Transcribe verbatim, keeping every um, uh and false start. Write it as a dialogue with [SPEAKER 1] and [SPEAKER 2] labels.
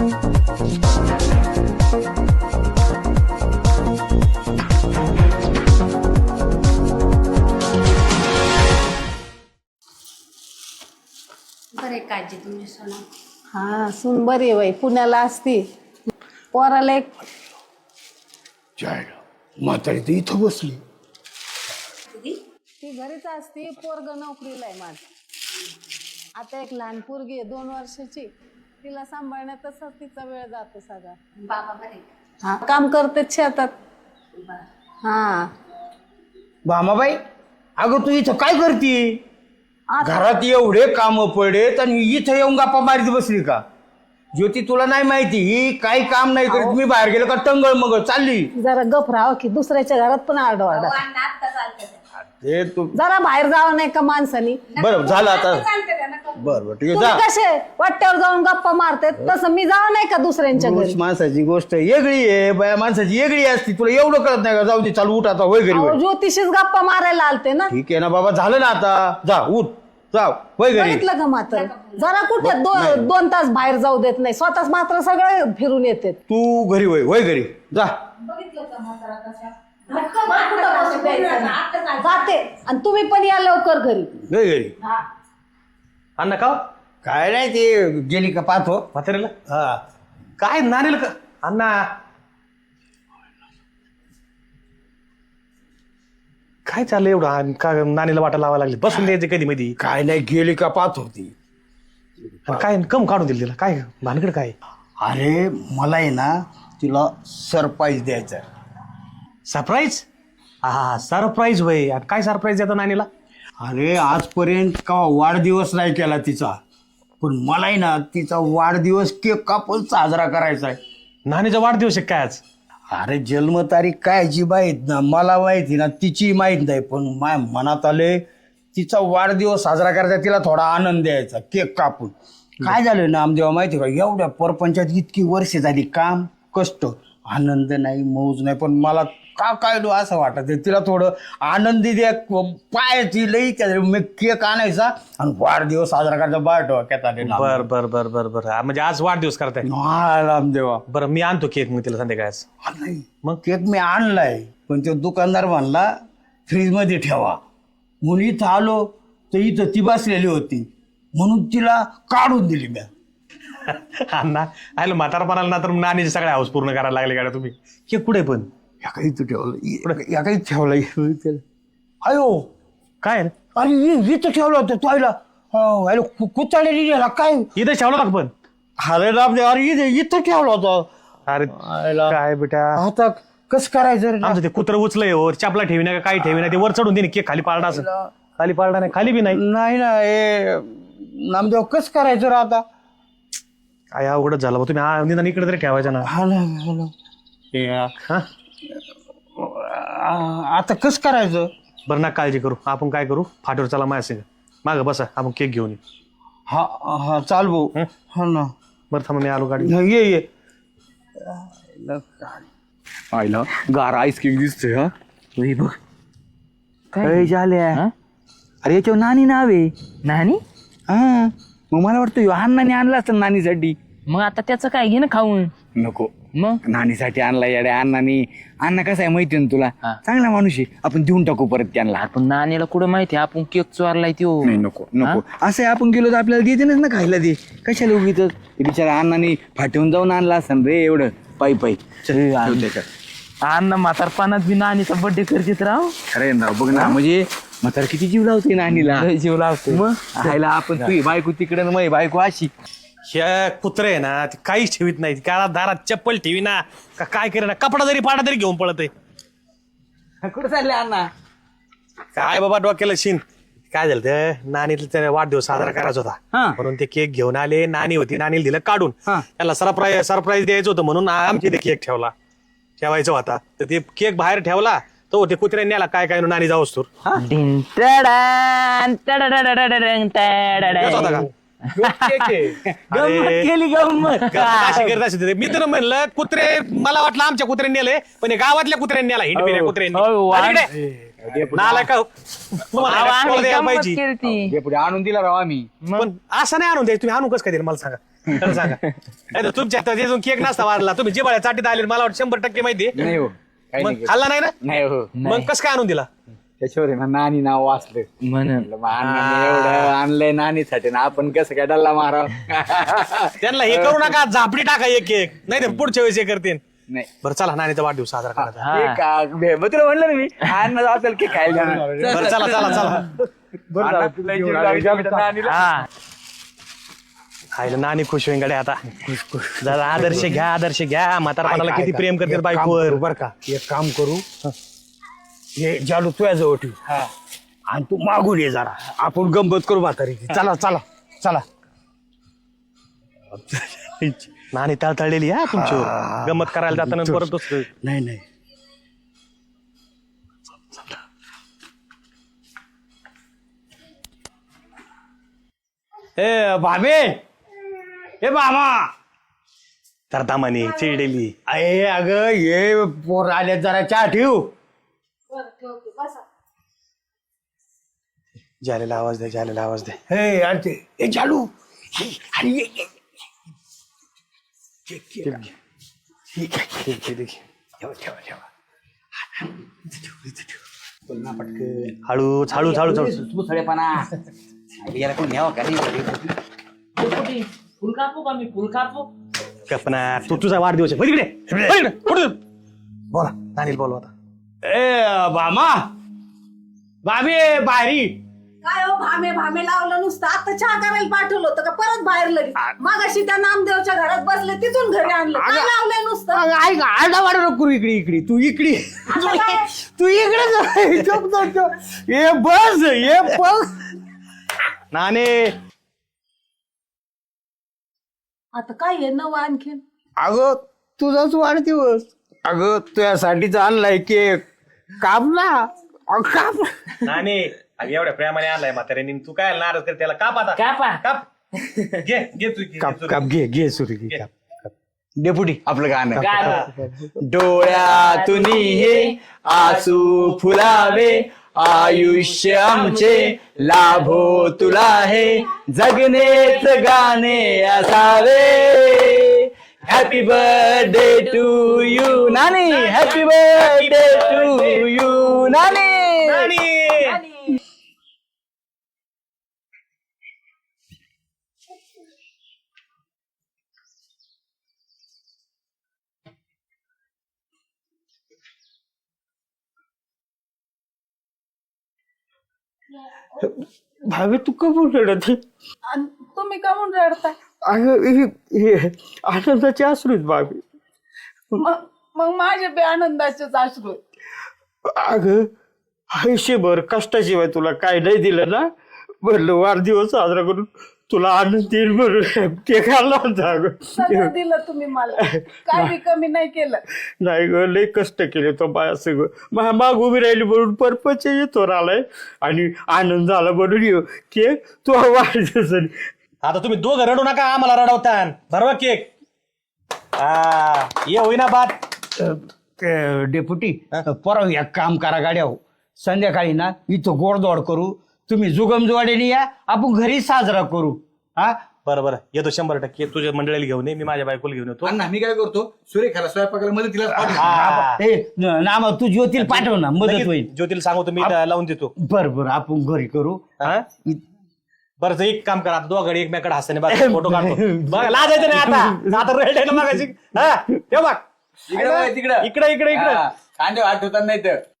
[SPEAKER 1] बरे काळजी तुमची सोना.
[SPEAKER 2] हा सून बरी आहे बाई, पुण्याला असती. पोराला एक
[SPEAKER 3] म्हातारी तर इथं बसली.
[SPEAKER 2] ती घरीच असती, पोरग नोकरीला आहे माझ. आता एक लहान पोरगी आहे दोन वर्षाची, तिला सांभाळण्यातच तिचा वेळ जातो सगळा.
[SPEAKER 1] बाबा बरे.
[SPEAKER 2] हा काम करते शेतात. हा
[SPEAKER 3] भामाबाई, अगं तू इथं काय करते? घरात एवढे काम पडेत आणि इथं येऊन गप्पा मारीत बसली का? ज्योती तुला नाही माहिती ही काही काम नाही करीत. मी बाहेर गेलो का टंगळ मग चालली.
[SPEAKER 2] जरा गप राहावं की दुसऱ्याच्या घरात पण आरडाओरडा.
[SPEAKER 3] ते तू
[SPEAKER 2] जरा बाहेर जावं नाही का माणसानी?
[SPEAKER 3] बरं झालं आता. बरं बरं ठीक आहे,
[SPEAKER 2] तुम्ही
[SPEAKER 3] जा.
[SPEAKER 2] कसे वाट्यावर जाऊन गप्पा मारते तसं मी जावं नाही का दुसऱ्यांच्या घरी?
[SPEAKER 3] माणसाची गोष्ट वेगळी आहे, बाया माणसाची वेगळी असती. तुला एवढं कळत नाही का? जाऊ दे, चालू उठ आता, होय घरी
[SPEAKER 2] अहो,
[SPEAKER 3] होय.
[SPEAKER 2] ज्योतिषीच गप्पा मारायला आलते ना.
[SPEAKER 3] ठीक आहे ना बाबा, झालं ना आता. जा उठ, जा होय घरी.
[SPEAKER 2] बघितलं का मात्र जरा कुठे दो- दोन तास बाहेर जाऊ देत नाही, स्वतःच मात्र सगळं फिरून येते.
[SPEAKER 3] तू घरी होय, होय घरी जा.
[SPEAKER 2] जाते आणि तुम्ही पण या लवकर घरी.
[SPEAKER 3] होय घरी.
[SPEAKER 4] अण्णा का
[SPEAKER 3] काय नाही, ते गेली का पाहतो.
[SPEAKER 4] म्हातारीला
[SPEAKER 3] हा
[SPEAKER 4] काय नानीला का अण्णा काय चाललंय एवढं आणि का नानीला वाटा लावायला लागली? बसून द्यायचे कधी मध्ये
[SPEAKER 3] काय नाही, गेली का पाहत होती.
[SPEAKER 4] काय कम काढून दिली तिला? काय भानगड काय?
[SPEAKER 3] अरे मला आहे ना तिला सरप्राईज द्यायचा.
[SPEAKER 4] सरप्राईज? हा सरप्राईज वय. काय सरप्राईज देतो नानीला?
[SPEAKER 3] अरे आजपर्यंत का वाढदिवस नाही केला तिचा, पण मला आहे ना तिचा वाढदिवस केक कापून साजरा करायचा आहे.
[SPEAKER 4] नानीचा वाढदिवस आहे काय आज?
[SPEAKER 3] अरे जन्मतारीख काय जी माहीत ना, मला माहिती ना, तिची माहीत नाही, पण माझ्या मनात आले तिचा वाढदिवस साजरा करायचा, तिला थोडा आनंद द्यायचा केक कापून. काय झालं ना आमदेवा माहिती का, एवढ्या परपंचात इतकी वर्ष झाली, काम कष्ट, आनंद नाही, मौज नाही, पण मला का काय लो असं वाटत तिला थोडं आनंदी द्या. पायाची लई त्या मी केक आणायचा आणि वाढदिवस साजरा करायचा. बाहेर डोक्यात आले.
[SPEAKER 4] बर बर बर बर बर म्हणजे आज वाढदिवस करताय?
[SPEAKER 3] रामदेवा
[SPEAKER 4] बरं मी आणतो केक मग तिला संध्याकाळच.
[SPEAKER 3] नाही मग केक मी आणलाय, पण तो दुकानदार म्हणला फ्रीजमध्ये ठेवा. म्हणून इथं आलो तर इथं ती बसलेली होती, म्हणून तिला काढून दिली मी.
[SPEAKER 4] अण्णा आयलो म्हातारपणाला ना तर नानीचे सगळे हाऊस पूर्ण करायला लागले गाड्या तुम्ही. केक कुठे पण
[SPEAKER 3] या काही तू ठेवलं, या काही ठेवलं. अयो
[SPEAKER 4] काय
[SPEAKER 3] अरे इथं ठेवलं होतं तो आईला. अरे कुचाळलेली गेला काय?
[SPEAKER 4] इथे ठेवलं का पण?
[SPEAKER 3] अरे रामदेव, अरे इथे इथं ठेवलं होतं.
[SPEAKER 4] अरे काय बेटा,
[SPEAKER 3] आता कसं करायचं?
[SPEAKER 4] आमचं ते कुत्र उचलंय हो, चापला ठेवी नाही का काही ठेवी नाही, ते वर चढून दे केक खाली पाळणा असं. खाली पाळणा नाही, खाली बी नाही.
[SPEAKER 3] नाही ना हे नामदेव, कसं करायचं रे आता?
[SPEAKER 4] काय अवघडच झालं बा. तुम्ही आ- निदान इकडे तरी ठेवायचं ना.
[SPEAKER 3] हा ना, हा ना. हे,
[SPEAKER 4] हा
[SPEAKER 3] आ- आता कसं करायचं?
[SPEAKER 4] बरं ना काळजी करू, आपण काय करू, फाटीवर चला माझ्या संग, मागं बसा, आपण केक घेऊन येऊ.
[SPEAKER 3] हा हा चाल भाऊ. हा ना,
[SPEAKER 4] बरं थांबा मी आलो गाडी.
[SPEAKER 3] ये ये.
[SPEAKER 5] आईला गार आईस्क्रीम दिसतोय. हा बघ काय झाल्या. अरे याच्यावर नानी नाव आहे. नानी? हा मग मला वाटतं अण्णाने आणला असतं नानीसाठी.
[SPEAKER 6] मग आता त्याचं काय घे ना खाऊन.
[SPEAKER 5] नको,
[SPEAKER 6] मग
[SPEAKER 5] नानीसाठी आणला याड्या अण्णाने. अण्णा कसा आहे माहिती ना तुला, चांगला माणूस आहे, आपण देऊन टाकू परत त्यांना.
[SPEAKER 6] आपण नानीला कुठं माहिती आपण केक चोरलाय त्यो.
[SPEAKER 5] नाही नको नको, असं आहे, आपण गेलो तर आपल्याला देते ना खायला. दे कशाला उगीच. ते बिचारा अण्णाने फाटवून जाऊन आणला असं रे एवढं पायी पायी. त्याच्यात
[SPEAKER 6] अण्णा म्हातारपणात बी नानीचा बर्थडे करतेत राव.
[SPEAKER 5] खरं आहे ना, बघ ना, म्हणजे म्हातार किती जीव लावते नानीला.
[SPEAKER 6] लय जीव लावते.
[SPEAKER 5] मग खायला आपण तुझी बायको तिकडे मग बायको अशी.
[SPEAKER 4] ह्या कुत्रे आहे ना ते काहीच ठेवीत नाही. काय दारात चप्पल ठेवी ना का काय करे ना, कपडा जरी पाडा तरी घेऊन पळत आहे.
[SPEAKER 5] कुठं चालले अण्णा?
[SPEAKER 4] काय बाबा डोक्याला शिन. काय झालं ते नानीला त्याने वाढदिवस साजरा करायचा होता, म्हणून ते केक घेऊन आले. नानी होती, नानीला दिलं काढून. त्याला सरप्राईज सरप्राईज द्यायचं होतं, म्हणून आमची ते केक ठेवला ठेवायचा होता. तर ते केक बाहेर ठेवला तो ते कुत्र्याने नेला. काय काय नानी जाऊस तर
[SPEAKER 6] डिन टडान, टडाडाडाडाडान, टडाडान.
[SPEAKER 4] होता का?
[SPEAKER 5] गंमत केली गंमत.
[SPEAKER 4] अशी करत असेल ते. मी तर म्हणलं कुत्रे, मला वाटलं आमच्या कुत्र्याने नेले, पण हे गावातल्या कुत्र्याने नेला. हिंडपिऱ्या
[SPEAKER 6] हो, वाढ.
[SPEAKER 4] कुत्र्याने नाला का तुम्हाला
[SPEAKER 6] आम्ही
[SPEAKER 4] एक्सप्लोर द्यायला
[SPEAKER 6] गंमत
[SPEAKER 4] पाहिजे.
[SPEAKER 6] केली ती.
[SPEAKER 5] पुढे आणून दिला राव आम्ही.
[SPEAKER 4] पण असं नाही आणून द्यायचं. तुम्ही आणू कसं काय दिलं मला सांगा. खरं सांगा नाही तर तुमच्या हातात अजून केक नसता वाढला तुम्ही जिबाळ्या चाटीत आले मला वाटतं शंभर टक्के माहिती आहे.
[SPEAKER 5] नाही हो काही
[SPEAKER 4] मग
[SPEAKER 5] नाही
[SPEAKER 4] खाल्ला नाही ना
[SPEAKER 5] नाही हो
[SPEAKER 4] मग कसं काय आणून दिला
[SPEAKER 5] त्याच्यावर आहे ना नानी नाव वाचलं
[SPEAKER 6] म्हणून
[SPEAKER 5] म्हटलं, मग अण्णांनी एवढं आणलंय नानीसाठी ना आपण कसं काय डल्ला माराव
[SPEAKER 4] त्यांना हे करू नका झापडी टाका एक केक नाही तर पुढच्या वेळेस हे करतील
[SPEAKER 5] नाही
[SPEAKER 4] बरं चला नानीचा वाढदिवस साजरा करायचा
[SPEAKER 5] ते का बे- मग तुला म्हणलं ना मी अण्णा असेल की खायला जाणार.
[SPEAKER 4] बरं चला चला चला
[SPEAKER 5] अण्णा, तुला जीव लागला आमच्या नानीला.
[SPEAKER 6] हा
[SPEAKER 4] खायला नानी खुश होईन गड्या आता जरा आदर्श घ्या आदर्श घ्या म्हातारपणाला किती प्रेम करते बायकोवर
[SPEAKER 3] बर का एक काम करू हे जालू तुझ्या जवळ ठेव आणि तू मागून ये जरा आपण गंमत करू म्हातारी चला चला चला
[SPEAKER 4] नानी तळतळलेली हा तुमच्यावर गमत करायला जाताना परत दुसरं.
[SPEAKER 3] नाही नाही ए भाबे ए मामा
[SPEAKER 4] तर दामाने चिडलेली
[SPEAKER 3] अरे अगं ये पोर आले जरा चहा ठेव
[SPEAKER 4] जालेला आवाज दे जालेला आवाज दे
[SPEAKER 3] हे अरे ते ए चालू अरे ये, ये. ये, ये, ये. ठीक आहे
[SPEAKER 4] ठीक आहे, ठीक आहे.
[SPEAKER 3] ठेवा ठेवा ठेवा बोल ना पटकन
[SPEAKER 4] हळूच हळूच हळूच हळूच
[SPEAKER 5] तू सडेपणा याला कोण न्यावं का नाही
[SPEAKER 6] फुल कापू का मी फुल कापू
[SPEAKER 4] कल्पना तू तुझा वाढदिवस आहे बघ इकडे, बघ इकडे, पुढे जा. बोला नानील बोलवा आता
[SPEAKER 3] ए बामा बाबे बाहेरी
[SPEAKER 2] काय हो भामे भामे लावलं नुसतं आता चहा करायला पाठवलं होतं का परत बाहेर लगेच मागाशी त्या नामदेवच्या घरात बसले तिथून घरी आणलं काय लावलंय नुसतं
[SPEAKER 3] अगं, ऐक आरडा वाडा नको इकडे इकडे तू इकडे
[SPEAKER 2] आता काय?
[SPEAKER 3] तू इकडे जा. चुप, चुप, चुप. ये बस ये बस
[SPEAKER 4] नाने
[SPEAKER 2] आता काय आहे नवं आणखीन
[SPEAKER 3] अगं तुझाच वाढदिवस अगं तुझ्यासाठीच आणलाय केक काप ना अगं, काप
[SPEAKER 4] नाने अगं एवढ्या प्रेमाने आणलाय म्हाताऱ्याने तू काय नाराज कर त्याला काप आता
[SPEAKER 6] कापा
[SPEAKER 4] काप घे घे तू घे,
[SPEAKER 3] काप
[SPEAKER 4] घे
[SPEAKER 3] काप घे घे सुरी घे काप काप. डेपुटी
[SPEAKER 5] आपलं गाणं
[SPEAKER 6] गाणं.
[SPEAKER 5] डोळ्यातून हे आसू फुलावे आयुष्य आमचे लाभो तुला हे जगनेच गाणे असावे हॅपी बर्थडे टू यू नानी हॅपी बर्थडे टू यू नानी
[SPEAKER 3] भावे तू कबूल रडत आहे?
[SPEAKER 2] आणि तुम्ही का म्हणून रडताय
[SPEAKER 3] अगं हे- हे आनंदाचे अश्रू आहेत भावे
[SPEAKER 2] मग मग माझे बे आनंदाचेच अश्रू आहेत.
[SPEAKER 3] अगं आयुष्यभर कष्टाशिवाय तुला काय नाही दिलं ना म्हणलं वाढदिवस साजरा करून तुला आनंद येईल म्हणून केक आणला होता अगं
[SPEAKER 2] सगळं दिलं तुम्ही मला काय बी कमी नाही केलं
[SPEAKER 3] नाही ग लय कष्ट केले तो बाया सगळं माग उभी राहिली म्हणून परपच येतो आलाय आणि आनंद झाला म्हणून येऊ केक तू वाढदिवस
[SPEAKER 4] आता तुम्ही दोघं रडू नका आम्हाला रडवतान बरोबर केक हा ये होईना बात
[SPEAKER 3] डेप्युटी परवा एक काम करा गाड्या हो संध्याकाळी ना इथं गोडदोड करू तुम्ही जुगमजुवाडीने या आपण घरी साजरा करू हा
[SPEAKER 4] बरं बरं येतो शंभर टक्के तुझ्या मंडळीला घेऊन ये मी माझ्या बायकोला घेऊन येतो
[SPEAKER 5] अण्णा मी काय करतो सुरेखाला स्वयंपाकाला मदतीला
[SPEAKER 4] हा.
[SPEAKER 3] ए, न- नाम तू ज्योतील पाठव ना मदत
[SPEAKER 4] लगेच
[SPEAKER 3] होईल
[SPEAKER 4] ज्योतीला सांगतो मी लावून देतो
[SPEAKER 3] बर बर आपण घरी करू
[SPEAKER 4] हा? बरं तर एक काम करा आता दोघं एकमेकडे हसताना बघा फोटो काढतो बघा लाजायचं नाही आता आता रेड आहे ना मागाशी हा ठेव बघ
[SPEAKER 5] तिकडं
[SPEAKER 4] इकडे इकडे इकडे
[SPEAKER 5] कांदे वाट होता नाही तर